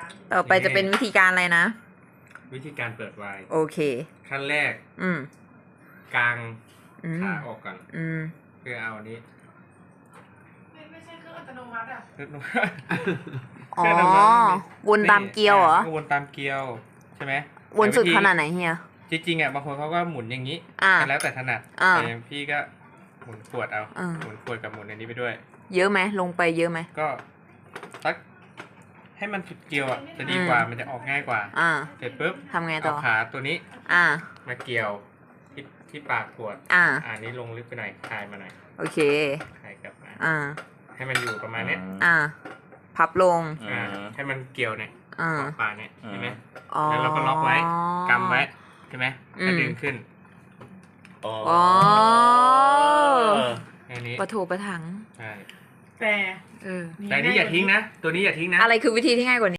ต่อไปจะเป็นวิธีการอะไรนะวิธีการเปิดไวน์โอเคขั้นแรกอืมกางอืมขาออกก่อนอืมเพื่อเอาอันนี้ไม่ใช่เครื่องอัตโนมัติอ่ะเพื่ออ๋อ วนตามเกลียวเหรอก็วนตามเกลียวใช่ไหมวนสุดแต่วิธีขนาดไหนเฮียจริงๆอ่ะบางคนเขาก็หมุนอย่างนี้อ่าแล้วแต่ถนัดอ่าแต่อย่างพี่ก็หมุนขวดเอาอ่าหมุนขวดกับหมุนอันนี้ไปด้วยเยอะไหมลงไปเยอะไหมก็สักให้มันสุดเกลียวอ่ะจะดีกว่ามันจะออกง่ายกว่าอ่าเสร็จปุ๊บทำไงต่เอาอขาตัวนี้อ่ามาเกี่ยวที่ปากขวดอ่าอันนี้ลงลึกไปหน่อยคลายมาหน่อยโอเคคลายกลับมาอ่าให้มันอยู่ประมาณเนี้ยอ่า พับลงให้มันเกี่ยวเนี่ยอ่าขอบปากเนี่ยใช่ไหมอ๋อแล้วเราก็ล็อกไว้กำไว้ใช่ไหมอืมก็ดึงขึ้นอ๋อแค่นี้ปะโถปะถังใช่แต่เออแต่อันนี้อย่าทิ้งนะ ตัวนี้อย่าทิ้งนะอะไรคือวิธีที่ง่ายกว่านี้